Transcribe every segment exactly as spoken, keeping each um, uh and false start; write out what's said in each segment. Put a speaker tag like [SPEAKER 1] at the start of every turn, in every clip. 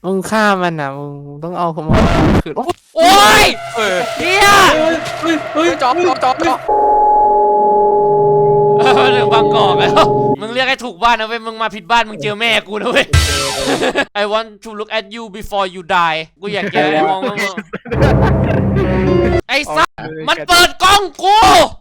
[SPEAKER 1] มึงฆ่ามันอ่ะมึงต้องเอาเขามาคืน
[SPEAKER 2] โอ้ย
[SPEAKER 3] เออ
[SPEAKER 2] เฮีย
[SPEAKER 3] เฮ้ยเฮ้ย
[SPEAKER 2] จอกจอกจอกจอกเรื่องบางกอกแล้วมึงเรียกให้ถูกบ้านนะเว้ยมึงมาผิดบ้านมึงเจอแม่กูนะเว้ย I want to look at you before you die กูอยากจะมองมึงไอ้สัสมันเปิดกล้องกู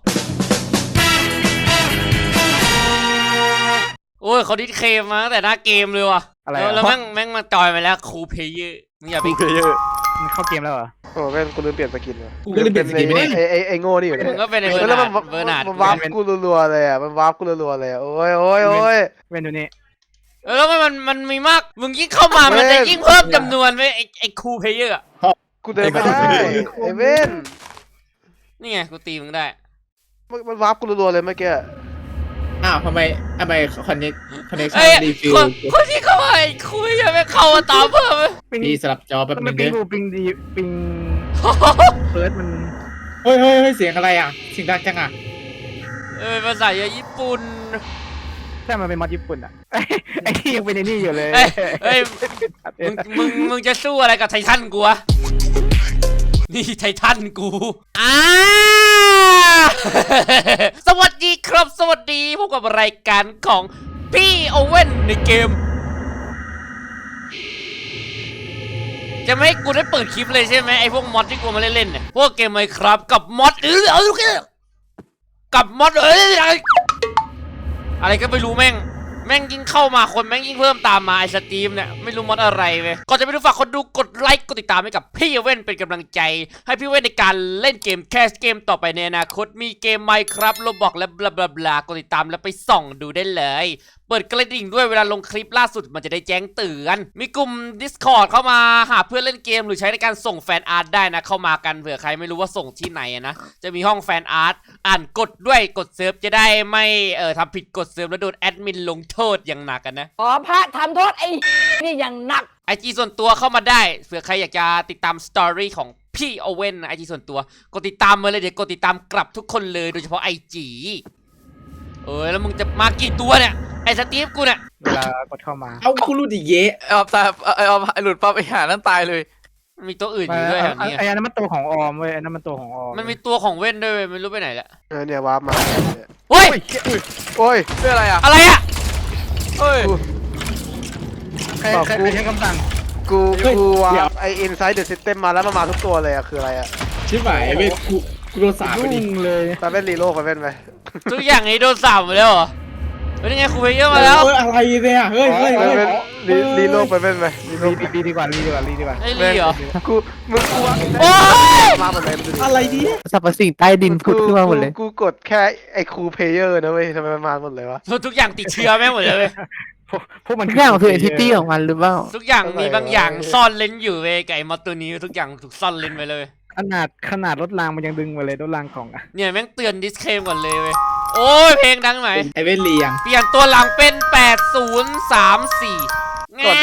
[SPEAKER 2] โอ้ยเขาดิสเคมมาตั้งแต่หน้าเกมเลยว่ะแล้วแม่งแม่งมาจอยไปแล้วคูเพย์เยอร์มึงอย่าไป
[SPEAKER 1] เพย์เยอร์มันเข้าเกมแล้วเหรอ
[SPEAKER 4] โอ้แม่งกูลืมเปลี่ยนสกินเลย
[SPEAKER 3] กูก็เลยเปลี่ยนสกินไม่ได้
[SPEAKER 4] ไอ้ไอ้ไอ้โง่นี่อยู่เนี่ย
[SPEAKER 2] มึงก็เป็นไอ้เบอร์นาร์ดเบอร์นาร์ด
[SPEAKER 4] มันวาร์ปกูรัวๆเลยอ่ะมันวาร์ปกูรัวๆเลยอ่ะโอ้ยโอ้ยโอ้ย
[SPEAKER 1] เว้นดูนี่
[SPEAKER 2] แล้วมันมันมันมีมากมึงยิ่งเข้ามามันจะยิ่งเพิ่มจำนวนไปไอ้ไอ้คูเพย์เยอร์
[SPEAKER 4] กูเดินไม่ได้ไอ้เว้น
[SPEAKER 2] นี่ไงกูตีมึงได้
[SPEAKER 4] มันวาร์ปกูรัวๆเลยเมื่อกี้
[SPEAKER 3] อ้าวทำไมทำไมคอนเนคคอนเนคชั่นรีฟิล
[SPEAKER 2] คนที่เข้ามาไอ้คุยยังไม่เข้ามาตามเพิ่ม
[SPEAKER 3] พี่สลับจอแป๊บนึงเด้
[SPEAKER 1] อปิงดีปิงเฟิร์สมัน
[SPEAKER 3] เฮ้ยเฮ้ยเสียงอะไรอ่ะเสียงดังจังอ่ะ
[SPEAKER 2] เออภาษาญี่ปุ่น
[SPEAKER 1] ใช่มันเป็นมอดญี่ปุ่นอ่ะไอ้ที่ยังเป็นไอ้นี่อยู่เลย
[SPEAKER 2] เฮ้ยมึงมึงมึงจะสู้อะไรกับไททันกูวะนี่ไททันกูอ่าสวัสดีครับสวัสดีพบกับรายการของพี่โอเว่นในเกมจะไม่ให้กูได้เปิดคลิปเลยใช่ไหมไอพวกมอดที่กูมาเล่นๆเนี่ยพวกเกมไมครับกับมอดเออเอาลูกกับมอดเอ้ยอะไรก็ไม่รู้แม่งแม่งยิ่งเข้ามาคนแม่งยิ่งเพิ่มตามมาไอสตรีมเนี่ยไม่รู้มอดอะไรเว้ยก่อนจะไปดูฝากคนดูกดไลค์กดติดตามให้กับพี่เว่นเป็นกำลังใจให้พี่เว่นในการเล่นเกมแคสเกมต่อไปในอนาคตมีเกมไมครับโรบอกและบลาบลาบลากดติดตามแล้วไปส่องดูได้เลยเปิดกระดิ่งด้วยเวลาลงคลิปล่าสุดมันจะได้แจ้งเตือนมีกลุ่ม Discord เข้ามาหาเพื่อนเล่นเกมหรือใช้ในการส่งแฟนอาร์ตได้นะเข้ามากันเผื่อใครไม่รู้ว่าส่งที่ไหนนะจะมีห้องแฟนอาร์ตอ่านกดด้วยกดเซิร์ฟจะได้ไม่เอ่อทำผิดกดเซิร์ฟแล้วโดนแอดมินลงโทษอย่างหนักกันนะ
[SPEAKER 5] อ๋อพระทำโทษไอ้นี่อย่างหนัก
[SPEAKER 2] ไอจีส่วนตัวเข้ามาได้เผื่อใครอยากจะติดตามสตอรี่ของพี่โอเว่นไอจีส่วนตัวกดติดตามมาเลยเดี๋ยวกดติดตามกลับทุกคนเลยโดยเฉพาะไอจีเออแล้วมึงจะมากี่ตัวเนี่ยไอสตีฟกูเนี่ย
[SPEAKER 1] เวลากดเข้ามา
[SPEAKER 3] เอากูรู้ดิเย่
[SPEAKER 2] เอาตายเอาหลุดปั๊บไปหานั่นตายเลยมีตัวอื่นอยู่ด้วยแถวนี้
[SPEAKER 1] ไอ้นั้นมันตัวของออมเว้ยไอ้นั้นมันตัวของออม
[SPEAKER 2] มันมีตัวของเว่นด้วยไม่รู้ไปไหนละ
[SPEAKER 4] เออเนี่ยวาร์ปมา
[SPEAKER 2] โอ้ย
[SPEAKER 4] โอ้ย
[SPEAKER 2] เป็นอะไรอะอะไรอะเฮ้ย
[SPEAKER 1] ใครใครใช้คำสั่ง
[SPEAKER 4] กูกูวาร์ปไออินไซด์เดอะซิสเต็มมาแล้วมันมาทุกตัวเลยอะคืออะไรอะ
[SPEAKER 3] ชิบหายเว้ยกูกูโดนสาบไปดิ
[SPEAKER 1] เลย
[SPEAKER 4] ไปเป็นรีโลไปเป็นไป
[SPEAKER 2] ทุกอย่างนี้โดนสาบหมดแล้วเหรอเป็นไงครูเพย์เยอะมาแล้ว
[SPEAKER 3] เฮ้ยอะไรเนี่ยเฮ้ยเฮ้ย
[SPEAKER 4] รีรีโลไปเป็นไป
[SPEAKER 1] รีรีดีกว่ารีดีกว่ารีดีกว่า
[SPEAKER 2] ไอ้รีเหรอ
[SPEAKER 4] กูมึงกู
[SPEAKER 2] โอ้
[SPEAKER 4] ยมาหมดเลย
[SPEAKER 3] อะไรดิ
[SPEAKER 1] สรรพสิ่งใต้ดินพุดขึ้นมาหมดเลย
[SPEAKER 4] กูกดแค่ไอครูเพย์เยอร์นะเว้ยทำไมมันมาหมดเลยวะ
[SPEAKER 2] ทุกอย่างติดเชื้อแม่หมดเลย
[SPEAKER 1] พวกมันทุกอย่างคือเอนทิตี้ของมันหรือเปล่า
[SPEAKER 2] ทุกอย่างมีบางอย่างซ่อนเลนอยู่เว้ยไก่มอตัวนี้ทุกอย่างถูกซ่อนเลนไปเลย
[SPEAKER 1] ขนาดขนาดรถรางมันยังดึงมาเลยรถรางของอ่ะ
[SPEAKER 2] เนี่ยแม่งเตือนดิสเคมก่อนเลยเว้ยโอ้ยเพลงดังไหม
[SPEAKER 3] ไอเวนเลียง
[SPEAKER 2] เปลี่ยนตัวหลังเป็นแปดศูนย์สามสี่แง่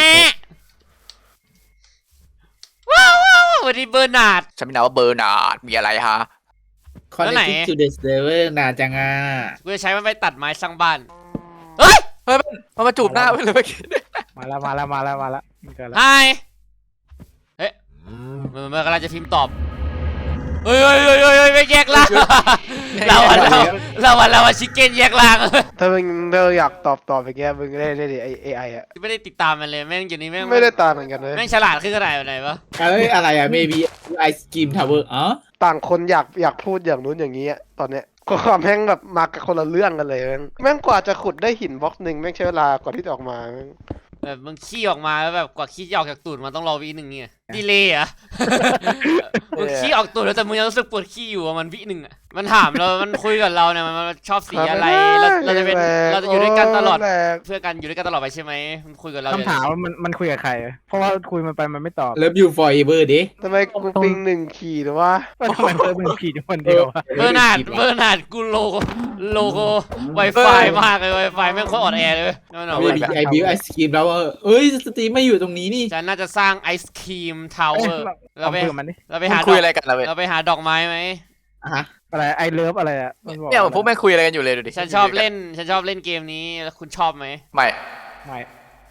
[SPEAKER 2] ว้าวว้าววันนี้เบอร์นาร์ด
[SPEAKER 6] ฉันไม่นาว่าเบอร์นาร์ดมีอะไรฮะ
[SPEAKER 3] คอนเนคชั่น to the server นาจังอ่ะ
[SPEAKER 2] กูจะใช้มันไปตัดไม้สร้างบ้านเฮ้ย
[SPEAKER 6] เฮ้ยมันมาจูบหน้าไปเลย
[SPEAKER 1] มาแล้วมาแล้วมาแล้วมาแล้ว
[SPEAKER 2] ไฮเฮ้ยมันกำลังจะพิมพ์ตอบเฮ้ยเฮ้ยเฮ้ยเฮ้ยไม่แยกล่างเราเราเราเราชิคเก้นแยกล่าง
[SPEAKER 4] ถ้ามึงเธออยากตอบตอบอย่างเงี้ยมึงได้ได้ดิไอเอไออะ
[SPEAKER 2] ไม่ได้ติดตามมันเลยแม่งอยู่นี่แม่ง
[SPEAKER 4] ไม่ได้ตามเหมือนกันเลย
[SPEAKER 2] แม่งฉลาดขึ้นขนาดไหนวะ
[SPEAKER 3] เอ้ยอะไรอะ maybe ice cream tower อ๋อ
[SPEAKER 4] ต่างคนอยากอยากพูดอย่างนู้นอย่างนี้ตอนเนี้ยความแม่งแบบมากับคนละเรื่องกันเลยแม่งแม่งกว่าจะขุดได้หินบล็อกหนึ่งแม่งใช้เวลากว่าที่จะออกมา
[SPEAKER 2] แบบมึงขี้ออกมาแล้วแบบกว่าขี้จะออกจากตูดมันต้องรอวิหนึ่งเนี่ยดีเลยอ่ะมึงขี้ออกตูดแล้วแต่มึงยังรู้สึกปวดขี้อยู่มันวิหนึ่งอ่ะมันถามเรามันคุยกับเราเนี่ยมันชอบสีอะไรเราจะเป็นเราจะอยู่ด้วยกันตลอดเพื่อกันอยู่ด้วยกันตลอดไปใช่ไหมมันคุยกับเรา
[SPEAKER 1] คำถามมันมันคุยกับใครเพราะว่าคุยมันไปมันไม่ตอบ
[SPEAKER 3] Love you forever ดิ
[SPEAKER 4] ทำไมกูปิงหนึ่งขีดหรือว่า
[SPEAKER 1] ทำไมเพิ่มหนึ่งขีดคนเดียว
[SPEAKER 2] เบอร์นาร์ดเบอร์นาร์ดกูโลโลโก้ไวไฟมากเลยไวไฟแม่งโคตรอ่อนแอเลย
[SPEAKER 3] นั่นหรอไอบิวไอศครีมแล้วเอ้ยสตรีมไม่อยู่ตรงนี้นี่
[SPEAKER 2] ฉันน่าจะสร้างไอศครีมทาวเวอร์เราไปเราไปหา
[SPEAKER 6] คุยอะไรกันเรา
[SPEAKER 2] เราไปหาดอกไม้ไหม
[SPEAKER 3] ฮะ
[SPEAKER 1] อะไรไอเลิฟอะไรอ่ะ
[SPEAKER 6] เนี่ยพวกแม่คุยอะไรกันอยู่เลยดูดิ
[SPEAKER 2] ฉันชอบเล่นฉันชอบเล่นเกมนี้แล้วคุณชอบไหม
[SPEAKER 6] ไม่
[SPEAKER 1] ไม่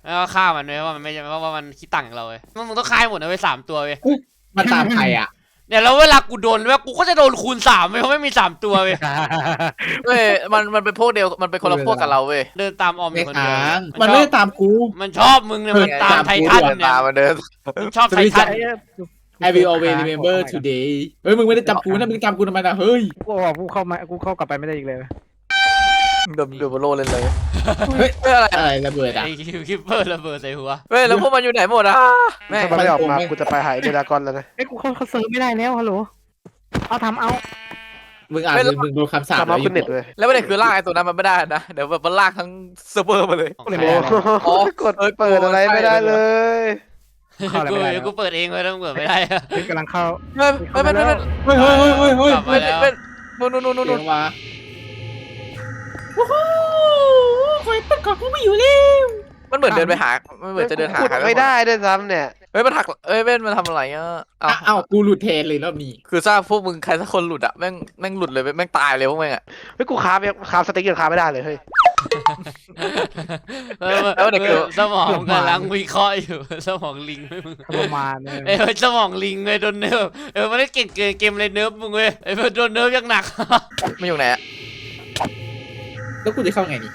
[SPEAKER 2] แล้วก็ฆ่ามันเลยว่ามันไม่ใช่เพราะว่ามันคิดตังค์เราเว้ยมึงต้องฆ่าหมดนะเว้ยสามตัวเว้ย
[SPEAKER 3] มันตามใครอ่ะ
[SPEAKER 2] เนี่ยแล้วเวลากูโดนเว้ยกูก็จะโดนคูณสามเว้ยเพราะไม่มีสามตัวเว้ย
[SPEAKER 6] เว้ยมันมันเป็นพวกเดียวมันเป็นคนละพวกกับเราเว้ย
[SPEAKER 2] เดินตามออมอ
[SPEAKER 3] ไม่
[SPEAKER 2] ยู่คนเดียว
[SPEAKER 3] ค้าง
[SPEAKER 2] มั
[SPEAKER 3] มัน
[SPEAKER 2] นช
[SPEAKER 3] ไม่
[SPEAKER 2] อบ
[SPEAKER 3] ได้ตามกู
[SPEAKER 2] มันชอบมึงเนี่ยมันตามไททันเนี่ย
[SPEAKER 6] ตามมาเดิน
[SPEAKER 2] มันชอบไททัน
[SPEAKER 3] I will always remember today เฮ้ยมึงไม่ได้จำกูนะมึงจำกูทำไมนะเฮ้ย
[SPEAKER 1] กูบอกกูเข้ามากูเข้ากลับไปไม่ได้อีกเลย
[SPEAKER 6] เดินเดินบนโลกเลยเลย
[SPEAKER 3] เฮ้ย
[SPEAKER 6] เฮ้ยอะไร
[SPEAKER 3] อะไรระเบิดอ่ะ
[SPEAKER 2] ไอ้คิปเปอร์ระเบิดใส่หัว
[SPEAKER 6] เฮ้ยแล้วพวกมันอยู่ไหนหมดอะแม่ง
[SPEAKER 4] ถ้ามันไม่ออกมากูจะไปหายเดรากอนแล้วนะ
[SPEAKER 1] เอ้ยกูเข้าเขาเซิร์ฟไม่ได้แล้วฮัลโหลเอาทำเอา
[SPEAKER 3] มึงอ่านมึงมึงดูคำสาป
[SPEAKER 4] ทำเอาขึ้นเน็ตเลย
[SPEAKER 6] แล้วประเด็นคือลากไอ้ตัวนั้นมันไม่ได้นะเดี๋ยวแบบมันลากทั้งเซิร์ฟเวอร์มาเลย
[SPEAKER 1] ก็เลย
[SPEAKER 4] โอ้
[SPEAKER 1] ไม่ได้แล้ว
[SPEAKER 4] โหกดเปิดอะไรไม่ได้เลย
[SPEAKER 1] เข้าอะไร
[SPEAKER 2] กู
[SPEAKER 1] ไม่ได้แล้ว
[SPEAKER 2] กูเปิดเองเลยต้องเปิดไม่ได้
[SPEAKER 1] เฮ้ยกำลังเข้า
[SPEAKER 6] เฮ้ยเฮ้ยเฮ้ยเฮ้ย
[SPEAKER 3] เฮ้ยเฮ้ยเฮ้ยเฮ้ย
[SPEAKER 2] กลับ
[SPEAKER 3] เฮ้
[SPEAKER 2] มาย แล้ว
[SPEAKER 6] เป็นนู่นนู่นนู่น
[SPEAKER 3] เสี
[SPEAKER 6] นู่
[SPEAKER 3] ย
[SPEAKER 6] น
[SPEAKER 3] งมาโอ้โหคอยประกอบกูไม่อยู่แล้ว
[SPEAKER 6] มันเหมือนเดินไปหามันเหมือนจะเดินหา
[SPEAKER 4] ขุด
[SPEAKER 6] ใคร
[SPEAKER 4] ไม่ได้ด้วยซ้ำเนี่ย
[SPEAKER 6] เฮ้ยมันหักเอ้ยเว้นมันทำอะไรอ่ะ
[SPEAKER 3] อ้าวอ้าวกูหลุดเทรนเลยรอบนี้
[SPEAKER 6] คือทราบพวกมึงใครสักคนหลุดอะแม่งแม่งหลุดเลยแม่งตายเลยพวกแม่งอะ
[SPEAKER 4] เฮ้ยกูค้าไปค้าสเต็กยังค้าไม่ได้เลยเฮ้ย
[SPEAKER 2] เออสมองกำลังวิเคราะห์อยู่สมองลิงไม่มึง
[SPEAKER 1] ประมาณนึง
[SPEAKER 2] เอ้ยสมองลิงเลยโดนเนิร์ฟเออมันได้เก่งเกินเกมเลยเนิร์ฟมึงเว้ยไอ้เพื่อนโดนเนิร์ฟยังหนัก
[SPEAKER 6] ไม่อยู่ไหนอะ
[SPEAKER 3] แล้วกูจะเข้าไงนี่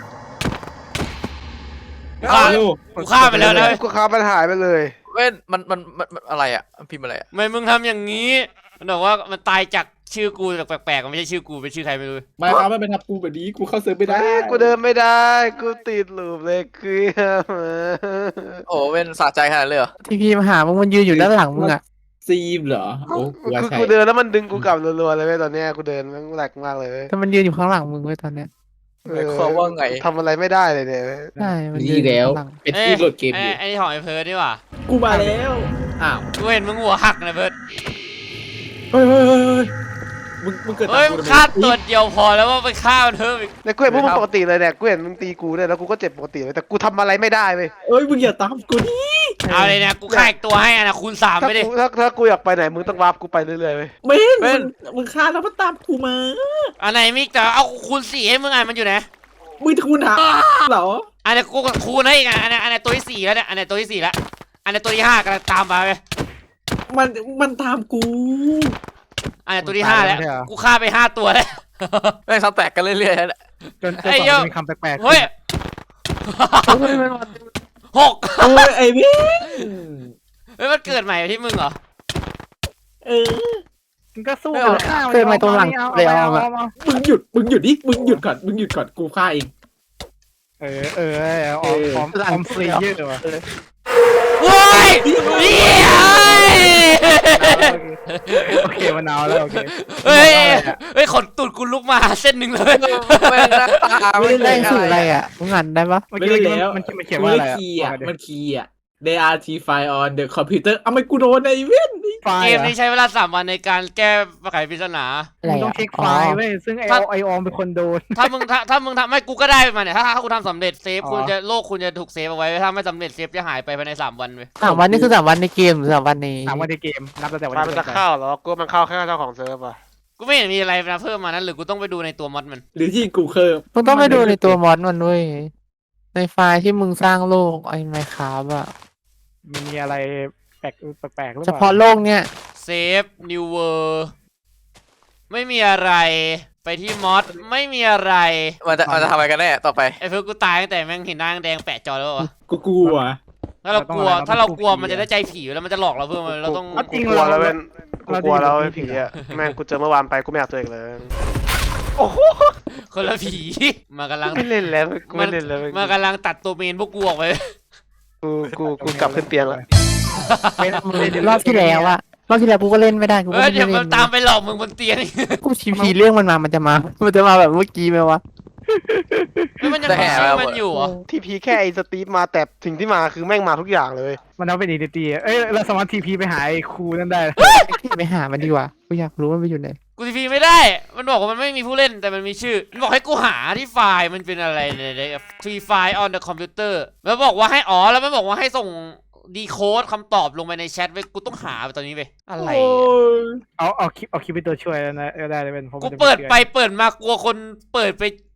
[SPEAKER 2] ฆ่ากูฆ่าไปแล้วนะ
[SPEAKER 4] กูค้ามันหายไปเลย
[SPEAKER 6] เว้นมันมันมันมันอะไรอะมันพิมพ์อะไรอะ
[SPEAKER 2] ทำไมมึงทำอย่างนี้มันบอกว่ามันตายจากชื่อกูแบบแปลกๆมันไม่ใช่ชื่อกูเป็นชื่อใครไม่รู้
[SPEAKER 3] ไม่ครับไม่เป็นทับกูแบบนี้กูเข้าเซิร์ฟไม่ได้
[SPEAKER 4] เอ้ยกูเดินไม่ได้กูติดลูปเลยคือ
[SPEAKER 6] โอ้เว้นสะใจขนาดเลยเหรอ
[SPEAKER 7] ทีพีมาหามึงมันยืนอยู่ด้านหลังมึงอ่ะ
[SPEAKER 3] ซีมเหรอโอ้กูว่า
[SPEAKER 4] คือ
[SPEAKER 3] ใช่
[SPEAKER 4] กูเดินแล้วมันดึงกูกลับรัวๆเลยเว้ยตอนเนี้ยกูเดินมันแหลกมากเลยเว้ย
[SPEAKER 7] แต่มันยืนอยู่ข้างหลังมึงไว้ยตอนเนี้ย
[SPEAKER 6] หมายความว่าไง
[SPEAKER 4] ทำอะไรไม่ได้เลยเนี่ย
[SPEAKER 7] ใช่มันยื
[SPEAKER 3] นี่
[SPEAKER 7] นอยู่
[SPEAKER 3] แล้ว
[SPEAKER 7] ข้างหลัง
[SPEAKER 3] เป็นที่โหลดเกม
[SPEAKER 2] ไอ้
[SPEAKER 3] อยู่
[SPEAKER 2] ไอ้นี่ของไอ้เพิร์ดนี่หว่า
[SPEAKER 3] กูมาแล้วอ้าว
[SPEAKER 2] กูเห็นมึงหัวหักนะเพิร์ด
[SPEAKER 3] เฮ้ยเฮ้ยเฮ้ยเฮ้ยมึงมึงเกิด
[SPEAKER 2] เฮ้ยมึงฆ่าตัวเดียวพอแล้วว่าไปฆ่ามันเพิ่มอีก
[SPEAKER 4] ในกูเห็นพวกมึงปกติเลยเนี่ยกูเห็นมึงตีกูเนี่ยแล้วกูก็เจ็บปกติเลยแต่กูทำอะไรไม่ได้เว้ย
[SPEAKER 3] เอ้ยมึงอย่าตามกูดิ
[SPEAKER 2] เอาเลยเนี่ยกูฆ่าอีกตัวให้อะนะคูณสาม
[SPEAKER 4] ถ้า
[SPEAKER 2] ไปดิ
[SPEAKER 4] กูถ้าถ้ากูอยากไปไหนมึงต้องวาร์ปกูไปเรื่อยๆเว้ย
[SPEAKER 3] เม่น
[SPEAKER 6] เว้
[SPEAKER 3] มึ
[SPEAKER 6] น
[SPEAKER 3] งมึงฆ่าแล้วมันตามกูมา
[SPEAKER 2] อันไหนมิกแต่เอาคูณสี่ให้มึงอ่ะมันอยู่ไหน
[SPEAKER 3] มึงจะกูหาเหรอ
[SPEAKER 2] อันนี้กูคูณให้อีกอ่ะอันนี้อันนี้ตัวที่สี่แล้วเนี่ยอันนี้ตัวที่สี่แล้วอันนี้ตัวที่ห้ากำลังตามมาเลย
[SPEAKER 3] มันมันตามกู
[SPEAKER 2] อันนี้ตัวที่ห้าแล้วกูฆ่าไปห้าตัวแล้ว
[SPEAKER 6] แม่งซับแตกกันเรื่อยๆนั่นแหละ
[SPEAKER 1] จนจน
[SPEAKER 2] ไอ้
[SPEAKER 1] ก
[SPEAKER 2] เหี้
[SPEAKER 1] ว่าย จะมีคำแปลกๆ
[SPEAKER 2] เฮ้ย
[SPEAKER 7] เฮ้ยมันมา
[SPEAKER 2] หก
[SPEAKER 3] โอ้ยไอ้เม่น
[SPEAKER 2] เฮ้ยมันเกิดใหม่ที่มึงเหรอ
[SPEAKER 3] เออ
[SPEAKER 1] มึงก็สู้กับข้าว
[SPEAKER 7] เคยมาตรงหลังเลยเอา
[SPEAKER 1] เอา
[SPEAKER 7] มา
[SPEAKER 1] เอาเอา
[SPEAKER 3] มึงหยุดมึงหยุดดิมึงหยุดก่อนมึงหยุดก่อนกูฆ่าเอง
[SPEAKER 1] เออเออเอาเอาพร้อมพร้อมฟรีเยอะว่ะ
[SPEAKER 2] โว้ยเฮ้ย
[SPEAKER 1] โอเคมะนาวแล้วโอเค
[SPEAKER 2] เฮ้ยเฮ้ยขนตูดกูลุกมาเส้นหนึ่งเลย
[SPEAKER 6] แม่งหน้าตา
[SPEAKER 7] ไม่
[SPEAKER 6] ไม่
[SPEAKER 7] ได้
[SPEAKER 6] ได้
[SPEAKER 7] สื่ออะไรอ่ะมึงอ่านได้ปะ
[SPEAKER 1] เมื่อกี้มันมันเขียนว่าอะไร
[SPEAKER 3] คีย์อ่ะ
[SPEAKER 1] อ่ะ
[SPEAKER 3] มันคีย์อ่ะ they are t file on the computer เอาไม่กูโดนไอ้เว้น
[SPEAKER 1] ไฟ
[SPEAKER 2] เก
[SPEAKER 1] ล์
[SPEAKER 2] มนี้ใช้เวลาสามวันในการแก้ไขปริศนา
[SPEAKER 7] อะไร
[SPEAKER 1] มึงต้อ
[SPEAKER 7] อ่ะ
[SPEAKER 1] งเช็คไฟล์เว้ยซึ่งไอไอออมเป็นคนโดน
[SPEAKER 2] ถ้ามึงถ้าถ้ามึงทำไม่กูก็ได้มาเนี่ยถ้าถ้าคุณทำสำเร็จเซฟ
[SPEAKER 1] อ๋อ
[SPEAKER 2] คุณจะโลกคุณจะถูกเซฟเอาไว้ถ้าไม่สำเร็จเซฟจะหายไปภายในสามวันเว้ย
[SPEAKER 7] สามวันนี่คือสามวันในเกมหรือสามวันใน
[SPEAKER 1] ถามว่าในเกมนับตั้งแต่วัน
[SPEAKER 4] ไฟ
[SPEAKER 1] ที่
[SPEAKER 4] มันจะเข้าเหรอกูว่ามันเข้าแค่เจ้าของเซิร์ฟอ่ะ
[SPEAKER 2] กูไม่เห็นมีอะไรนะเพิ่มมานั้นหรือกูต้องไปดูในตัวมอดมัน
[SPEAKER 3] หรือที่กูเคิร์ฟ
[SPEAKER 7] มึงต้องไปดูในตัวมอดมันด้วยในไฟล์ที่มึงสร้างโลกไอ้ไมค์คราฟอ่ะ
[SPEAKER 1] มันมีอะไรแปลกแปลกๆหรือ
[SPEAKER 7] เฉ
[SPEAKER 1] เปล่า
[SPEAKER 7] พาะโลกเนี้ย
[SPEAKER 2] เซฟนิวเวอร์ไม่มีอะไรไปที่มอดไม่มีอะไร
[SPEAKER 6] มันจะมันจะทำอะไรกันแน่ต่อไป
[SPEAKER 2] ไอ้เพื่อนกูตายตั้งแต่แม่งเห็นหน้าแดงแปะจอแล้ววะ
[SPEAKER 3] กูกลัว
[SPEAKER 2] ถ้าเรากลัวถ้าเรากลัวมันจะได้ใจผีแล้วมันจะหลอกเราเพื่อมันเราต้อง
[SPEAKER 4] กูกลัวแล้วเว้นกูกลัวแล้วไอ้ผีอ่ะแม่งกูเจอเมื่อวานไปกูไม่อยากเจออีกเลยโอ้โห
[SPEAKER 2] คนละผีมากำลัง
[SPEAKER 4] ไม่เล่นแล้วกูไม่เล่นแล้ว
[SPEAKER 2] มากำลังตัดตัวเมนพวกกูออกไป
[SPEAKER 4] กูกูกูกลับขึ้นเตียงแล้ว
[SPEAKER 1] เป็นมึงเล่น
[SPEAKER 7] รอบที่แล้วอะรอบที่แล้วกูก็เล่นไม่ได้กู
[SPEAKER 2] เอ
[SPEAKER 7] ก็
[SPEAKER 2] อ
[SPEAKER 7] ไม่
[SPEAKER 2] เดี๋
[SPEAKER 7] ได้
[SPEAKER 2] ยวมัน
[SPEAKER 7] เล่น
[SPEAKER 2] ตามไปหลอกมึงบนเตียง
[SPEAKER 7] กูทีพีเรื่องมันมามันจะมา มันจะมาแบบเมื่อกี้ไหมวะ
[SPEAKER 2] เฮ้ยมันยังมีชื่อมันอยู่เหรอ
[SPEAKER 4] ทีพีแค่ไอ้สตีฟมาแต่สิ่งที่มาคือแม่งมาทุกอย่างเลย
[SPEAKER 1] มันเอาเป็นอีดีๆเอ้ยเราสามารถทีพีไปหาไอ้ครูนั่นได้
[SPEAKER 7] ไปหามันดีกว่ากูอยากรู้ว่ามันไปอยู่ไหน
[SPEAKER 2] กูทีพีไม่ได้ มันบอกว่ามันไม่มีผู้เล่นแต่มันมีชื่อมันบอกให้กูหาที่ไฟล์มันเป็นอะไรเนี่ยฟรีไฟล์ on the computer แล้วบอกว่าให้อ๋อแล้วมันบอกว่าให้ส่งดีโค้ดคำตอบลงไปในแชทไว้กูต้องหาไปตอนนี้ไปอะไร
[SPEAKER 3] โอ้ย
[SPEAKER 1] เอาเอาคลิปเอาคลิปเป็นตัวช่วยแล้วนะเออได้เลยเป็นผม
[SPEAKER 2] กู
[SPEAKER 1] จะม่
[SPEAKER 2] เปิดไป
[SPEAKER 1] ชื่อ
[SPEAKER 2] เปิดมากลัวคนเปิดไป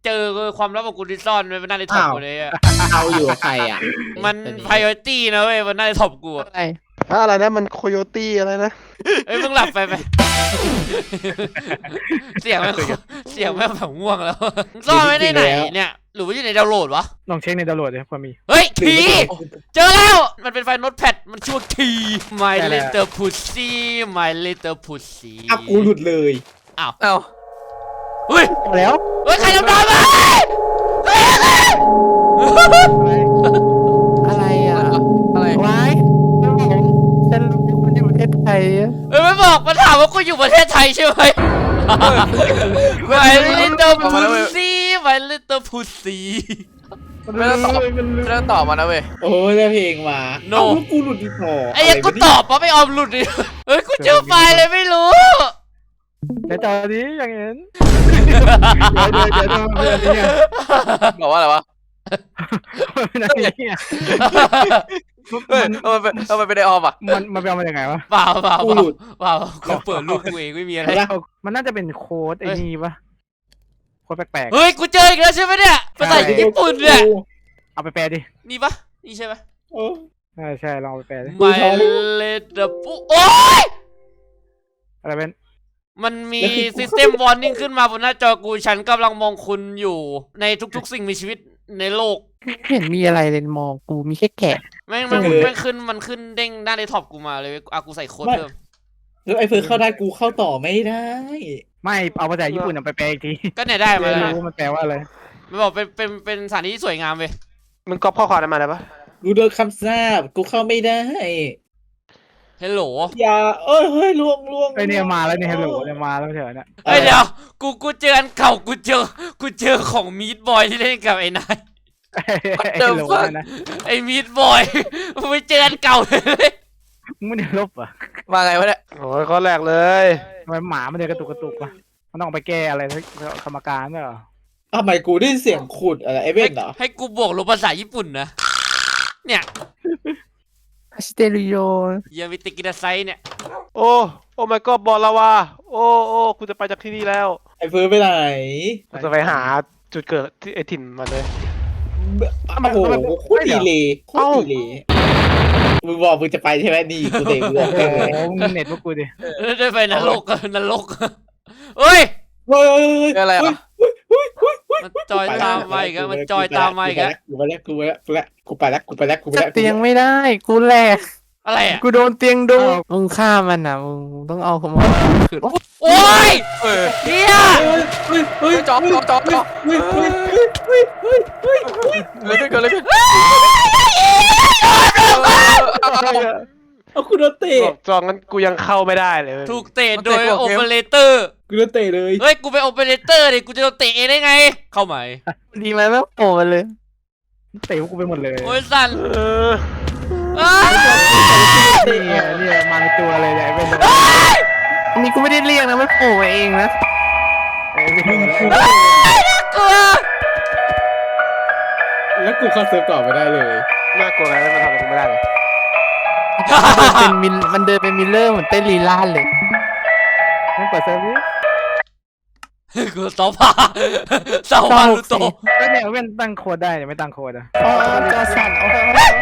[SPEAKER 2] เจอความลับของกูที่ซ่อนไว้บนหน้าในท็อปกูเลยอะ
[SPEAKER 3] เอาอยู่กับใครอ่ะ
[SPEAKER 2] มัน priority นะเว้ยบนหน้าในท็อปกูอะ
[SPEAKER 7] อะไร
[SPEAKER 4] อะไรนะมันโคโยตี้อะไรนะ
[SPEAKER 2] เอ้ยมึงหลับไปไป เสียงแม่งเสียงแม่งแบบง่วงแล้วซ่อนไว้ในไหนเนี่ยหรือว่าอยู่ในดาวน์โหลดวะ
[SPEAKER 1] ลองเช็คในดาวน์โหลดดิพอมี
[SPEAKER 2] เฮ้ยทีเจอแล้วมันเป็นไฟล์โน้ตแพดมันชื่อว่าที My
[SPEAKER 1] ได้แล้ว
[SPEAKER 2] Little Pussy My Little Pussy
[SPEAKER 3] อ่ะกูหลุดเลย
[SPEAKER 6] เอ้า
[SPEAKER 2] เฮ้ย
[SPEAKER 1] แล้ว
[SPEAKER 2] เฮ้ยใครทำน้ำมาเฮ้ย
[SPEAKER 7] อะไรอ่ะ
[SPEAKER 6] อะไร
[SPEAKER 7] ไว้ผมฉันรู้มันอยู่ประเทศไทยอะ
[SPEAKER 2] เฮ้ยไม่บอกมันถามว่ากูอยู่ประเทศไทยใช่ไหม My Little Pussy My Little Pussy
[SPEAKER 6] ไม่ต้องตอบไม่ต้องตอบมานะเว้ย
[SPEAKER 3] โอ้ยได้เพลงมา
[SPEAKER 2] No
[SPEAKER 3] เอ้าแล้วกูหลุดอีกพอ
[SPEAKER 2] ไอ้ยังกูตอบปะไม่ออมหลุดดิเฮ้ยกูเจอไฟล์เลยไม่รู้
[SPEAKER 1] เดี๋ยวจอนี้อย่างเห็น
[SPEAKER 2] เดี๋ยว
[SPEAKER 1] เดี๋ยวเดี๋ยวเดี๋ยวเดี๋ยวเนี่ย
[SPEAKER 6] บอกว่าอะไรวะ
[SPEAKER 1] นั่นเนี่ย
[SPEAKER 6] เฮ้ยเอามันเป็นเอามันเป็นไอออมอ่ะ
[SPEAKER 1] มันมันไปเอามาจากไงวะ
[SPEAKER 2] เปล่าเปล่า
[SPEAKER 3] กู
[SPEAKER 2] เป
[SPEAKER 3] ห
[SPEAKER 2] ล่า
[SPEAKER 3] ลุด
[SPEAKER 2] เปล่ากูเปิดรูปกูเองไม่มีอะไร
[SPEAKER 3] เห็นปะ
[SPEAKER 1] มันน่าจะเป็นโค้ดไอ้นี่ปะโค้ดแปลก
[SPEAKER 2] เฮ้ยกูเจออีกแล้วใช่ไหมเนี่ยภาษาญี่ปุ่นเนี่ย
[SPEAKER 1] ๆเอาไปแปลดิ
[SPEAKER 2] นี่ปะนี่ใช่ไหม
[SPEAKER 3] โอ้
[SPEAKER 1] ใช่ใช่ลองเอาไปแปลดิ
[SPEAKER 2] My Little Pu โอ๊ย
[SPEAKER 1] อะไรเป็น
[SPEAKER 2] มันมี System Warning ขึ้นมาบนหน้าจอกูฉันกำลังมองคุณอยู่ในทุกๆสิ่งมีชีวิตในโลก
[SPEAKER 7] ไม่เห็นมีอะไรเลยมองกูมีแค่แกะ
[SPEAKER 2] แม่งแม่งแม่งขึ้นมันขึ้นเด้งหน้าในท็อปกูมาเลยอ่ะกูใส่โค้ดเพิ่ม
[SPEAKER 3] แล้วไอ้เฟิร์สเข้าได้กูเข้าต่อไม่ได้
[SPEAKER 1] ไม่เอาภาษาญี่ปุ่นเอาไปแปลอีกที
[SPEAKER 2] ก็เนี่ยได้มา
[SPEAKER 1] ไม่
[SPEAKER 2] แล้ว
[SPEAKER 1] รู้มันแปลว่าอะไร
[SPEAKER 2] มันบอกเป็นเป็นเป็นสถานที่ที่สวยงามเว้ย
[SPEAKER 4] มึงก๊อปข้อความนั้นมาได้ปะ
[SPEAKER 3] กูโดนคำสาปกูเข้าไม่ได้
[SPEAKER 2] เฮลโหล
[SPEAKER 3] อย่าเอ้ยเฮ้ยล่วงล่วง
[SPEAKER 1] ไอเนี่ยมาแล้วเนี่ยฮัลโหลเนี่ยมาแล้วเถอะเนี่ย
[SPEAKER 2] เฮ้ยเดี๋ยวกูกูเจออันเก่ากูเจอกูเจอของมีดบอยที่เล่นกับไอ้นาย
[SPEAKER 1] ไอ้ฮัลโหลเนี่ยนะ
[SPEAKER 2] ไอ้มีดบอยมึงไปเจออันเก่าเลย
[SPEAKER 1] มึงไม่ได้ลบเหรอ่ะ
[SPEAKER 6] มาไงวะเนี่ย
[SPEAKER 4] โอ้ยข้อแรกเลย
[SPEAKER 1] ทำไมหมามันเดินกระตุกกระตุกวะมันต้องไปแก้อะไรที่กรรมการเนี่ยเหรอ
[SPEAKER 3] ทำไมกูได้ยินเสียงขุดอะไรไอ้เว้นเหรอ
[SPEAKER 2] ให้กูบวกลบภาษาญี่ปุ่นนะเนี่ย
[SPEAKER 7] ฮัสเตริโย
[SPEAKER 2] ยามิติกิดาไซเนี่ย
[SPEAKER 4] โอ้โอ้ my god บอลลาวาโอ้โอ้กูจะไปจากที่นี่แล้ว
[SPEAKER 3] ไอ้เฟิร์สไปไหน
[SPEAKER 4] กูจะไปหาจุดเกิดที่ไอ้ถิ่นมันเลย
[SPEAKER 3] โอ้โหโคตรดีเลยโคตรดีเลยมึงบอกมึงจะไปใช่ไหมนี่กูเตะมึงออก
[SPEAKER 1] โอ้
[SPEAKER 3] เลย
[SPEAKER 1] โหมึงเน็ตพวกกูดิ
[SPEAKER 2] ได้ไปนรกนรกเฮ้ย
[SPEAKER 3] เฮ้ยเฮ้ยเฮ้ย
[SPEAKER 6] อะไรอ่ะ
[SPEAKER 2] มันจอยตามมาอีกแล้วมันจอยตามมาอีกแล้ว
[SPEAKER 3] กูไปแล้วกูไปแล้วกูไปแล้วกูไปแล้วกูไปแล้วกูไป
[SPEAKER 7] จั
[SPEAKER 3] แล้
[SPEAKER 7] บ
[SPEAKER 3] ว
[SPEAKER 7] เตียงไม่ได้ กูแหลก
[SPEAKER 2] อะไรอ่ะ
[SPEAKER 7] กูโดนเตียงดูมึงฆ่ามันอ่ะมึงต้องเอาขโมยคืน
[SPEAKER 2] โอ้ย
[SPEAKER 6] เออ
[SPEAKER 2] เฮีย
[SPEAKER 3] เฮ้ยเฮ้ย
[SPEAKER 6] จอบจอบจอบจอบ
[SPEAKER 3] เฮ้ยเฮ้ยเฮ้ยเฮ้ยเฮ้ยเฮ้ย
[SPEAKER 6] เลยขึ้นกันเลยขึ้น
[SPEAKER 3] เอากูโดนเตะ
[SPEAKER 4] บอกจองงั้นกูยังเข้าไม่ได้เลยเว้ย
[SPEAKER 2] ถูกเตะโดยโอเปอเรเตอร์
[SPEAKER 3] กูโดนเตะเลย
[SPEAKER 2] เฮ้ยกูเป็นโอเปอเรเตอร์ดิกูจะโดนเตะเองได้ไง เข้าไหม
[SPEAKER 7] ดีไหมแม่งโผล่มาเลย
[SPEAKER 1] เตะพวกกูไปหมดเลย
[SPEAKER 2] โอ้ยสัน
[SPEAKER 4] เออ
[SPEAKER 2] อ้าว
[SPEAKER 1] นี่ไงเนี่ยมาเป็นตัวเลยเนี่ยเป็น
[SPEAKER 7] อันนี้กูไม่ได้เรียกนะมันโผล่มาเองนะ
[SPEAKER 1] ไอ้เป็น
[SPEAKER 2] กลัว
[SPEAKER 3] แล้วกูเข้าเซิร์ฟต่อไม่ได้เลย
[SPEAKER 4] น่ากลัวอะไรมันทำอะไรกูไม่ได้เลย
[SPEAKER 7] เป็นมิลมันเดินเป็นมิลเลอร์เหมือนเต้นลีลาดเลย
[SPEAKER 1] มึงเปิดเซิร์ฟดิ
[SPEAKER 2] กูสอบผ่าสอบผ่าลูโต
[SPEAKER 1] ก็เนี่ยเว้นตั้งโค้ดได้แต่ไม่ตั้งโค้ดอ่ะ
[SPEAKER 7] อ๋อจอสั่นอ๋อ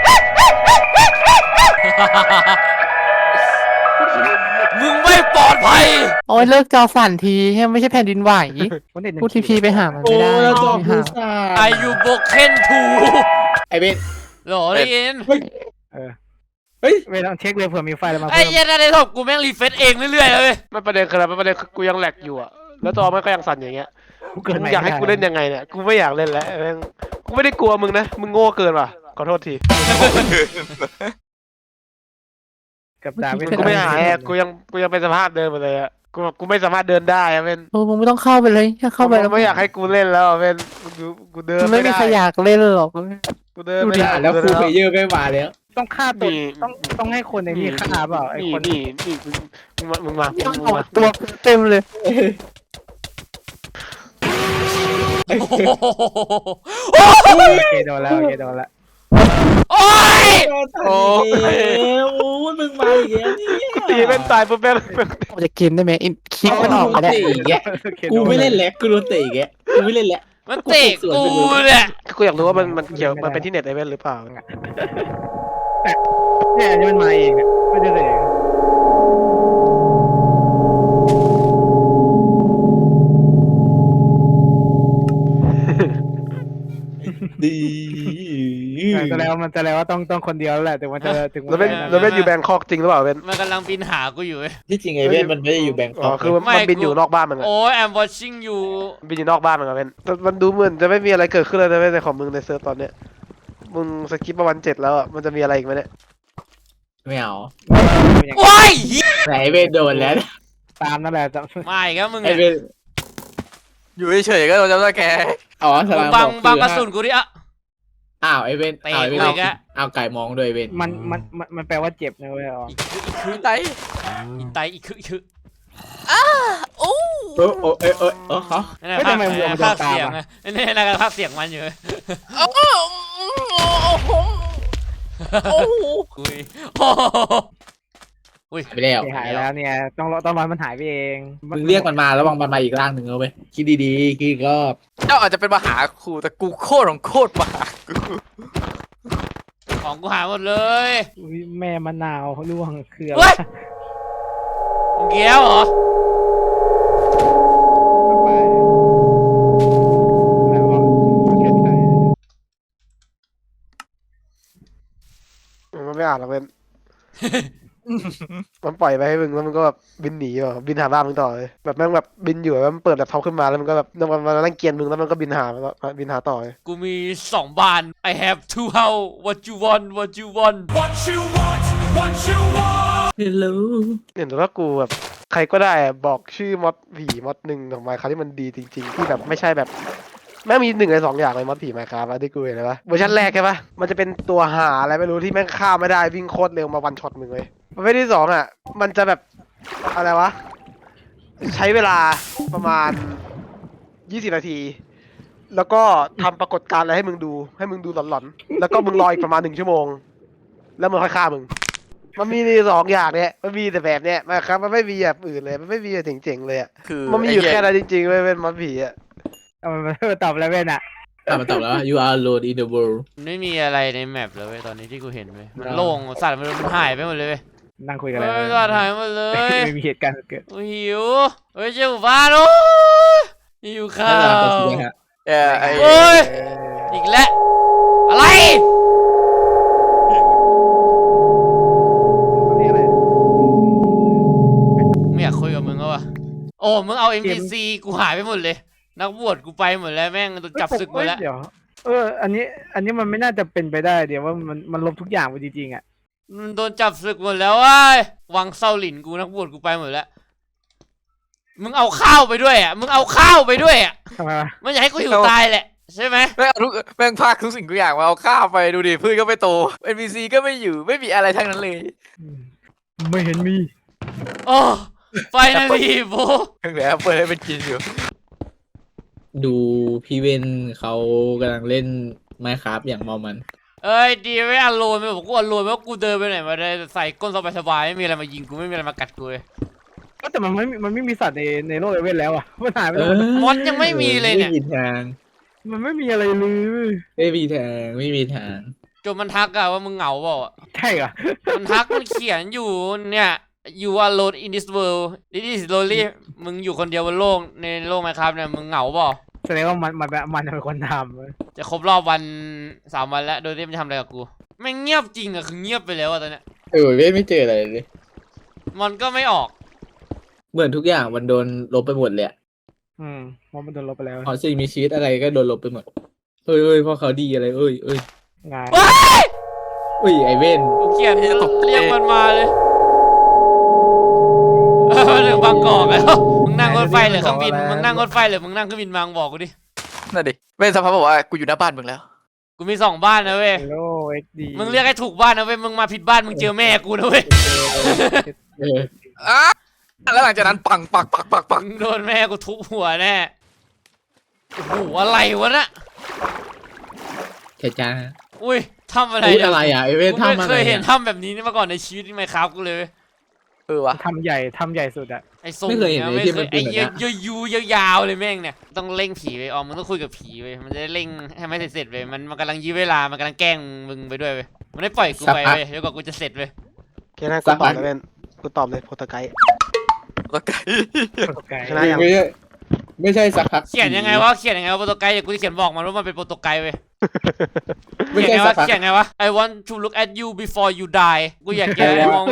[SPEAKER 2] มึงไม่ปลอดภัย
[SPEAKER 7] โอ้ยเลิกจอสั่นทีไม่ใช่แผ่นดินไหว
[SPEAKER 1] คนเด็ด
[SPEAKER 7] พูดทีพีไปหามัน
[SPEAKER 3] โอ้
[SPEAKER 7] ไม่ได้
[SPEAKER 3] แล้วจอ
[SPEAKER 7] ไป
[SPEAKER 3] กู
[SPEAKER 7] หา
[SPEAKER 3] สา
[SPEAKER 2] อายุโบเคนทู
[SPEAKER 3] ไอ้เบน
[SPEAKER 2] หรอได้ยิน
[SPEAKER 1] เออ
[SPEAKER 3] เฮ้ย
[SPEAKER 1] เว้นต้องเช็คเลยเผื่อมีไฟล์อะไรมา
[SPEAKER 2] ไอ้
[SPEAKER 1] เพิ่ม
[SPEAKER 2] เหี้ยันในท็อปกูแม่งรีเฟซเองเรื่อยๆเลย
[SPEAKER 4] มันประเด็นคืออะไรมันประเด็นคือกูยังแหลกอยู่อะแล้วจอมันก็ยังสั่นอย่างเงี้ย
[SPEAKER 1] กูเกิด
[SPEAKER 4] มึ
[SPEAKER 1] ใหม่
[SPEAKER 4] งอยากให้กูเล่นยังไงเนี่ยกูไม่อยากเล่นแล้วแม่งกูไม่ได้กลัวมึงนะมึงโง่เกินว่ะขอโทษที
[SPEAKER 1] กับดาวิน
[SPEAKER 4] กูไม่หายอะกูยังกูยังเป็นสภาพเดิมมาเลยอะกูกูไม่สามารถเดินได้อะเป็น
[SPEAKER 7] โอ้มึงไม่ต้องเข้าไปเลยถ้าเข้าไปแล้ว
[SPEAKER 4] ไม่อยากให้กูเล่นแล้วอะเป็นกูกูเดิน
[SPEAKER 7] มันไม่
[SPEAKER 4] ไม่
[SPEAKER 7] มี
[SPEAKER 4] ได้
[SPEAKER 7] ใครอยากเล่นหรอก
[SPEAKER 4] กูเดิน
[SPEAKER 3] ดู
[SPEAKER 4] ไม่
[SPEAKER 3] ดิ
[SPEAKER 4] ได้
[SPEAKER 3] แล้วครูเพลเยอร์ไม่มาแล้ว
[SPEAKER 1] ต้องฆ่าตัว
[SPEAKER 4] นี่
[SPEAKER 1] ต้องต้องให้คนในนี่ฆ่าเปล่าไอ้
[SPEAKER 4] นี่
[SPEAKER 1] คน
[SPEAKER 4] นี่นี่มึงมึงมามึงมามึงมา
[SPEAKER 7] ตัวเต็มเลย
[SPEAKER 2] โอ้โห
[SPEAKER 1] โอเคโดนแล้วโอเคโดนแล้ว
[SPEAKER 2] โอ้ย
[SPEAKER 3] โอ้ยโอ้ยมึงมาอีกแล้วเนี่ย
[SPEAKER 4] กูตีเล่นตายปุ๊บแม่ง
[SPEAKER 7] ออกจากเกมได้ไหมอินคลิกมันออกไปได้
[SPEAKER 3] เตะอีกแกกูไม่เล่นแล้วกูโดนเตะอีกแกกูไม่เล่นแล้ว
[SPEAKER 2] มันเตะกูเนี่ย
[SPEAKER 4] กูอยากรู้ว่ามันมันเกี่ยวมันเป็นที่เน็ตไอเวนหรือเปล่า
[SPEAKER 1] เนี่ยอันนี้มันมาเองเนี่ยไม่ได้เลย
[SPEAKER 3] ดี
[SPEAKER 1] แต่แล้วมันจะแล้วว่าต้องต้องคนเดียวแล้วแหละถึงมันจะถึง
[SPEAKER 4] แล้วเป็นแล้วเป็นอยู่แบงคอกจริงหรือเปล่าเวน
[SPEAKER 2] มันกำลังบินหากูอยู่เว้ย
[SPEAKER 3] ที่จริงไอเว่นมันไม่ได้อยู่แบงค
[SPEAKER 4] อ๋อ
[SPEAKER 3] อก
[SPEAKER 4] คือมันมันบินอยู่นอกบ้านมันอะ
[SPEAKER 2] โอ้ย I'm watching you
[SPEAKER 4] บินอยู่นอกบ้านมันอะเวนแต่มันดูเหมือนจะไม่มีอะไรเกิดขึ้นเลยนะเว้ยในของมึงในเซิร์ฟตอนเนี้ยมึงสกิปประมาณเจ็ดแล้วอะมันจะมีอะไรอีกไหมเนี่ย
[SPEAKER 3] ไม่เอา
[SPEAKER 2] โอ้ย
[SPEAKER 3] แต่ไอเว่นโดนแล้ว
[SPEAKER 1] ตามนั่นแหละจะ
[SPEAKER 2] มาอีกแล้วมึง
[SPEAKER 3] ไอ
[SPEAKER 2] เนี่ย
[SPEAKER 3] เว่น
[SPEAKER 6] อยู่เฉยๆก็โดนจับได้แก
[SPEAKER 3] อ๋อส
[SPEAKER 2] มึ
[SPEAKER 3] ลาง ม
[SPEAKER 2] บัง
[SPEAKER 3] บอก
[SPEAKER 2] บังกระ
[SPEAKER 3] คือ
[SPEAKER 2] สุนกูดิอะ
[SPEAKER 3] อ้าวไอเว่น
[SPEAKER 2] เตะ
[SPEAKER 3] อ้าวไอเว่น
[SPEAKER 2] กู
[SPEAKER 3] เอา
[SPEAKER 2] อีกอะ
[SPEAKER 3] เอาไก่มองด้วยเว่น
[SPEAKER 1] มันมันมันมันแปลว่าเจ็บนะเว้ยอ๋อ
[SPEAKER 2] อีกคืออีกคือ
[SPEAKER 6] ไต
[SPEAKER 2] อีกไตอีกคืออีกคือ
[SPEAKER 6] โอ้
[SPEAKER 3] โอ้โอ้เอ้ยเอ้ยเออเขา
[SPEAKER 2] นั่นแหละภาคภาคเสียงอะนี่นั่นก็ภาคเสียงมันอยู่
[SPEAKER 6] โอ้โหโอ้โห
[SPEAKER 2] คุยโอ้โหอุ้ย
[SPEAKER 3] หายไปแล้ว
[SPEAKER 1] หายแล้วเนี่ยต้องรอต้องรอมันหายไปเอง
[SPEAKER 3] มึงเรียกมันมาแล้ววางมันมาอีกร่างหนึ่งเอาไปคิดดีๆคิดอีกรอบ
[SPEAKER 6] เจ้าอาจจะเป็นมาหาครูแต่กูโคตรของโคตรมาหากู
[SPEAKER 2] ของกูหายหมดเลย
[SPEAKER 1] อุ๊ยแม่มะนาวร่วงคืออะไร
[SPEAKER 2] เฮ้ยมึงเกี้ยวเหรอ
[SPEAKER 1] ไปแล้วบอกประเทศไทย
[SPEAKER 4] มันไม่อ่านหรอกเว้น มันปล่อยไปให้มึงแล้วมันก็แบบบินหนีอ่ะบินหาบ้านมึงต่อเลยแบบแม่งแบบบินอยู่แล้วมันเปิดแบบท็อปขึ้นมาแล้วมันก็แบบมันมันนั่งเกียนมึงแล้วมันก็บินหาบินหาต่อเลย
[SPEAKER 2] กูมีสองบาน I have two house what you want what you want
[SPEAKER 3] ฮัลโหล
[SPEAKER 4] เห็นว่ากูแบบใครก็ได้อะบอกชื่อมอดผีมอดหนึ่งของไมค์ครับที่มันดีจริงๆที่แบบไม่ใช่แบบแม่งมีหนึ่งในสองอย่างเลยมอดผีไมค์ครับที่กูเห็นเลยปะเวอร์ชันแรกใช่ปะมันจะเป็นตัวหาอะไรไม่รู้ที่แม่งฆ่าไม่ได้วิ่งโคตรเร็วมาวันช็อตมึงเลยประเภทที่สองอ่ะมันจะแบบอะไรวะใช้เวลาประมาณยี่สิบนาที แล้วก็ทำปรากฏการณ์อะไรให้มึงดูให้มึงดูหลอนๆแล้วก็มึงรออีกประมาณหนึ่งชั่วโมง แล้วมันค่อยฆ่ามึง มันมีในสองอย่างเนี่ยมันมีแต่แบบเนี้ยนะครับมันไม่มีแบบอื่นเลยมันไม่มีแบบเจ๋งๆเลยอ่ะ
[SPEAKER 6] คือ
[SPEAKER 4] มันมีอยู่แค่นั้นจริงๆไม่เป็นมอดผีอ่ะ
[SPEAKER 1] เอามันมาตอบแล้วเว้นอ่ะ
[SPEAKER 3] อ่ะมาตอบแล้ว you are alone in the world
[SPEAKER 2] มันไม่มีอะไรในแมปเลยเว้ยตอนนี้ที่กูเห็นเว้ยมันโล่งสัตว์มันมันหายไปหมดเลยเว้ย
[SPEAKER 1] นั่งคุยกัน
[SPEAKER 2] เฮ้
[SPEAKER 1] เลย
[SPEAKER 2] ยสัตว์หายหมดเลย
[SPEAKER 1] ไม่มีเหตุการณ์เกิด
[SPEAKER 2] โอ้ยหิวเฮ้ยเจ้าหมู่บ้านโอ้ยหิวข้า
[SPEAKER 3] น่ารัก
[SPEAKER 2] ว
[SPEAKER 3] จริงๆฮะ
[SPEAKER 6] เออไอ้
[SPEAKER 2] โอ้ยอีกแล้วอะไร
[SPEAKER 1] นี่อะไร
[SPEAKER 2] ไม่อยากคุยกับมึงแล้ววะโอ้มึงเอา เอ็ม พี ซี กูหายไปหมดเลย นักบวชกูไปหมดแล้วแม่งโดนจับศึกหมดแล้ว
[SPEAKER 1] เดี๋ยวเอออันนี้อันนี้มันไม่น่าจะเป็นไปได้เดี๋ยวว่ามันมันลบทุกอย่างไปจริงๆอ่ะ
[SPEAKER 2] มันโดนจับศึกหมดแล้วเว้ยวังเซาหลินกูนักบวชกูไปหมดแล้วมึงเอาข้าวไปด้วยอ่ะมึงเอาข้าวไปด้วยอ่ะ
[SPEAKER 1] ทำไมวะ
[SPEAKER 2] มันอยากให้กูหิวตายแหละใช่ไหม
[SPEAKER 6] แม่งเอาทุกแม่งพากทุกสิ่งทุกอย่างมาเอาข้าวไปดูดิพืชก็ไม่โต เอ็น พี ซี ก็ไม่อยู่ไม่มีอะไรทั้งนั้นเลย
[SPEAKER 1] อืมไม่เห็นมี
[SPEAKER 2] โอ้ไฟนาลีโบ
[SPEAKER 6] เพิ่งแล้วเปิดให้เป็นกินอยู่
[SPEAKER 3] ดูพี่เวนเขากำลังเล่นไมค์ครับอย่างเมามัน
[SPEAKER 2] เอ้ยดีไม่อโลนไม่บอกกูอโลนไม่ว่ากูเดินไปไหนมาได้ใส่ก้นสบายๆไม่มีอะไรมายิงกูไม่มีอะไรมากัดกูเลย
[SPEAKER 1] ก็แต่มันไม่มีมันไม่มีสัตว์ในในโลกเอเวนแล้วอ่ะมันหายไป
[SPEAKER 3] เอ
[SPEAKER 1] แล้ว
[SPEAKER 3] อ
[SPEAKER 2] มอนยังไม่มีเลยเนี่ย
[SPEAKER 3] ไม่มีทาง
[SPEAKER 1] มันไม่มีอะไรเลย
[SPEAKER 3] ไม่มีทางไม่มีทาง
[SPEAKER 2] จนมันทักอะว่ามึงเหงาเปล่าอะ
[SPEAKER 1] ใช่เหรอ
[SPEAKER 2] มันทักมันเขียนอยู่เนี่ย you are alone in this world this is lonely มึงอยู่คนเดียวบนโลกในโลกไหมครับเนี่ยมึงเหงาเปล่า
[SPEAKER 1] แสดงว่ามันมันมันเป็นคนทำเว้ย
[SPEAKER 2] จะครบรอบวันสามวันแล้วโดยที่มันทำอะไรกับกูไม่งเงียบจริงอะคือเงียบไปแล้วอะตอนเนี้ย
[SPEAKER 3] เออเว้ยไม่เจออะไรเลย
[SPEAKER 2] มันก็ไม่ออก
[SPEAKER 3] เหมือนทุกอย่างมันโดนลบไปหมดเลยอะ
[SPEAKER 1] อืมมันมันโดนลบไปแล้ว
[SPEAKER 3] พอสิ่งมีชีวิตอะไรก็โดนลบไปหมดเอ้ยเอ้ยเพราะเขาดีอะไรเอ้ยเอ้ย
[SPEAKER 1] งาน
[SPEAKER 2] ว้าย
[SPEAKER 3] เอ้ยไอเว่น
[SPEAKER 2] กูเขียนเรียกมันมาเลยเออมาถึงบางกอกแล้วมึงนั่งรถไฟหรือเครื่องบินมึงนั่งรถไฟหรือมึงนั่งเครื่องบินมามึงบอกกูดิ
[SPEAKER 6] นั่นดิเว้นสภาพบอกว่ากูอยู่หน้าบ้านมึงแล้ว
[SPEAKER 2] กูมีสองบ้านนะเว้ย
[SPEAKER 1] โลเอ็กดี
[SPEAKER 2] มึงเรียกให้ถูกบ้านนะเว้ย มึงมาผิดบ้านมึงเจอแม่กูนะเว้ย
[SPEAKER 3] เออ
[SPEAKER 6] อ่ะแล้วหลังจากนั้นปังปักปักปักปัก
[SPEAKER 2] มึงโดนแม่กูทุบหัวแน่ โอ้โหอะไรวะน่ะ
[SPEAKER 3] แค่จ้า
[SPEAKER 2] อุ้ยทำอะไร
[SPEAKER 3] พูด
[SPEAKER 2] เนี่ย
[SPEAKER 3] อะไรอ่ะไอเว่น
[SPEAKER 2] กูไม่
[SPEAKER 3] ทำอะไร
[SPEAKER 2] เคยเห็น
[SPEAKER 3] อ่ะ
[SPEAKER 2] ทำแบบนี้มาก่อนในชีวิตนี่ไหมครับกูเลย
[SPEAKER 6] เออวะ
[SPEAKER 1] ทำใหญ่ทำใหญ่สุดอะ
[SPEAKER 2] ไอ้ทรง
[SPEAKER 3] ไม่เคยเห็น
[SPEAKER 2] นี่
[SPEAKER 3] ไอ้ที่มัน
[SPEAKER 2] ไอ้
[SPEAKER 3] เป็น
[SPEAKER 2] เย
[SPEAKER 3] แบบ
[SPEAKER 2] อะ
[SPEAKER 3] เนี้ย
[SPEAKER 2] ยูยยาวๆเลยแม่งเนี่ยต้องเร่งผีไปออมมึงต้องคุยกับผีไปมันจะได้เร่งให้ไม่เสร็จๆไปมันมันกำลังยื้อเวลามันกำลังแกล้งมึงไปด้วยไปมันได้ปล่อยกูไปไปเดี๋ยวก่อนกูจะเสร็จไป
[SPEAKER 4] แค่นั้นกูตอบเลยเป็นกูตอบเลยโปรโตไกด์
[SPEAKER 6] ตัวไกล
[SPEAKER 1] ไกล
[SPEAKER 4] ชนะยัง
[SPEAKER 3] ไม่ใช่ไม่ใช่สักพัก
[SPEAKER 2] เขียนยังไงวะเขียนยังไงวะโปรโตไกด์เดี๋ยวกูจะเขียนบอกมันว่ามันเป็นโปรโตไกด์ไป
[SPEAKER 3] ไม่
[SPEAKER 2] เขียน
[SPEAKER 3] ใช่
[SPEAKER 2] ไง
[SPEAKER 3] สั
[SPEAKER 2] วะ
[SPEAKER 3] กพัก
[SPEAKER 2] เขียนไงวะ I want to look at you before you die กูอยากแกมองว่า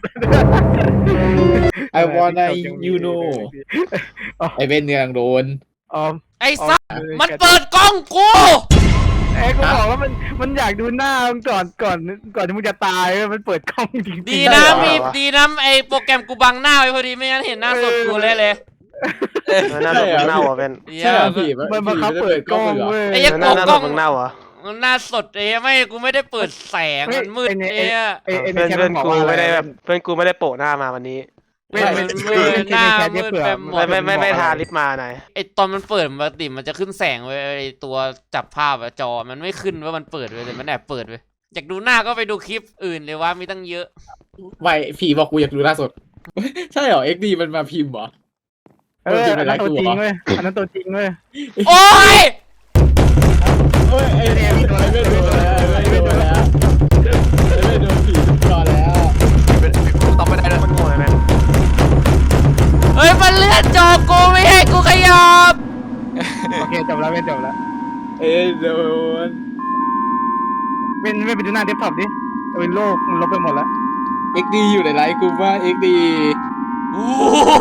[SPEAKER 3] I wanna you know ไอเบนกำลังโดน
[SPEAKER 1] ออม
[SPEAKER 2] ไอ้สัสมันเปิดกล้องกู
[SPEAKER 1] เอ้ยกูบอกว่ามันมันอยากดูหน้ามึงก่อนก่อนก่อนที่มึงจะตายเว้ยมันเปิดกล้องจริงๆ
[SPEAKER 2] ดีนะมีดีนะไอ้โปรแกรมกูบังหน้าไว้พอดีไม่งั้นเห็นหน้าสดกูเลยเลย
[SPEAKER 4] หน้าสดมึงเน่าอ่ะเป็น
[SPEAKER 3] ใช่เหรอ
[SPEAKER 2] เหี้ย
[SPEAKER 3] พี่
[SPEAKER 1] มันบังคับเปิดกล้องเว้ย
[SPEAKER 2] ไอ้เหี้ย
[SPEAKER 4] หน้าหน้าสดมึงเน่าอ่ะ
[SPEAKER 2] มันหน้าสดเอ้ยไม่กูไม่ได้เปิดแสงมันมืดเอ้ย
[SPEAKER 1] ไอ้ไอ้ใน
[SPEAKER 4] เพื่อน
[SPEAKER 1] แชท
[SPEAKER 4] เพื่อน
[SPEAKER 1] บอก
[SPEAKER 4] กู
[SPEAKER 1] ว่า
[SPEAKER 4] ไม่ได้แบบเพื่อนกูไม่ได้โปะหน้ามาวันนี้
[SPEAKER 1] ไม่ไม่
[SPEAKER 2] มัน
[SPEAKER 1] ไม่
[SPEAKER 2] มืด
[SPEAKER 1] ไม่
[SPEAKER 2] หน้า
[SPEAKER 1] ในแชท
[SPEAKER 2] มื
[SPEAKER 1] เนี่ย
[SPEAKER 2] ด
[SPEAKER 1] เผื่อ
[SPEAKER 2] ไปหม
[SPEAKER 4] ไม่
[SPEAKER 2] ด
[SPEAKER 4] ไม่ไม่ไม่ทาลิปมาหน่อย
[SPEAKER 2] ไอ้ตอนมันเปิดปกติมันจะขึ้นแสงไว้ไอ้ตัวจับภาพอะจอมันไม่ขึ้นว่ามันเปิดไว้เลยมันแอบเปิดไว้อยากดูหน้าก็ไปดูคลิปอื่นเลยว่ามีตั้งเยอะ
[SPEAKER 3] ไม่ผีบอกกูอยากดูหน้าสด ใช่เหรอ เอ็กดีมันมาพิมพ์เหรอ
[SPEAKER 1] เอออันนั้นตัวจริงเว้ยอันนั้นตัวจริงเว้ย
[SPEAKER 2] โอ้ย
[SPEAKER 3] เฮ้ยไอ้เนี่ยไม่โดนไม่โดนแล้วไม่โดนแล้วไม่โดนผีก่อนแล้ว
[SPEAKER 6] เป็นกูตอบไม่ได้เลย
[SPEAKER 4] มันโง่เลยแม่
[SPEAKER 2] เฮ้ยมันเลื่อนจอกูไม่ให้กูขยับ
[SPEAKER 1] โอเคจบแล้วเว้นจบแล้ว
[SPEAKER 3] เอ้ยโดน
[SPEAKER 1] เว้นเว้นไปดูหน้าเดสก์ท็อปดิเอาเป็นโลกมันลบไปหมดแล้ว
[SPEAKER 3] เอ็กดีอยู่ในไลฟ์กูว่าเอ็กดี
[SPEAKER 2] โอ้โห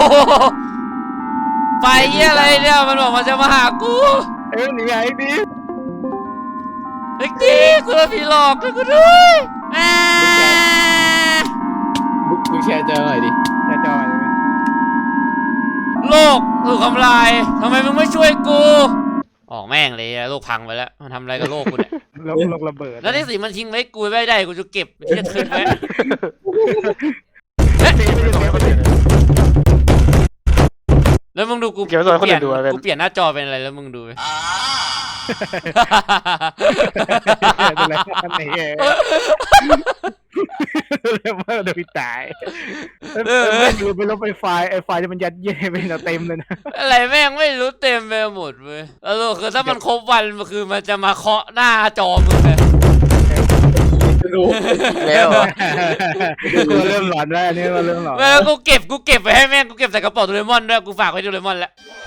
[SPEAKER 2] ไฟเหี้ยอะไรเนี่ยมันบอกมันจะมาหากู
[SPEAKER 1] เอ้ยหนีไอ้ดิ
[SPEAKER 2] เด็กดีกูโดนผีหลอกด้วยกูด้วยอ่า
[SPEAKER 3] มึงมึงแชร์เจอหน่อยดิ
[SPEAKER 1] จะจอยเลย
[SPEAKER 2] โลกถูกทำลายทำไมมึงไม่ช่วยกูออกแม่งเลยอะโลกพังไปแล้วมันทำอะไรกับโลกกูเนี่ย
[SPEAKER 1] โลกโลกระเบิด
[SPEAKER 2] แล้วที่สิมันทิ้งไว้กูไม่ได้กูจะเก็บที่จะคืนไว้แล้วมึงดูกู
[SPEAKER 4] เก็บไว้ก่อนคนอื่นดูอะ
[SPEAKER 2] กูเปลี่ยนหน้าจอเป็นอะไรแล้วมึงดูไป
[SPEAKER 1] เป็นไรกันไหนเองเรียกว่าโดนตายเออดูไปลบไฟไฟล์ไอ้ไฟล์ที่มันยัดเยียดไปเต็มเลยนะ
[SPEAKER 2] อะไรแม่งไม่รู้เต็มไปหมดเว้ยแล้วคือถ้ามันครบวันมันคือมันจะมาเคาะหน้าจอมึงเลย
[SPEAKER 3] รู้
[SPEAKER 4] แล้วเหรอ
[SPEAKER 1] กูเริ่มหลอนแล้วอันนี้ก็เริ่มหลอน
[SPEAKER 2] แล้วกูเก็บกูเก็บไปให้แม่งกูเก็บใส่กระเป๋าโดเรมอนด้วยกูฝากไว้โดเรมอนแล้ว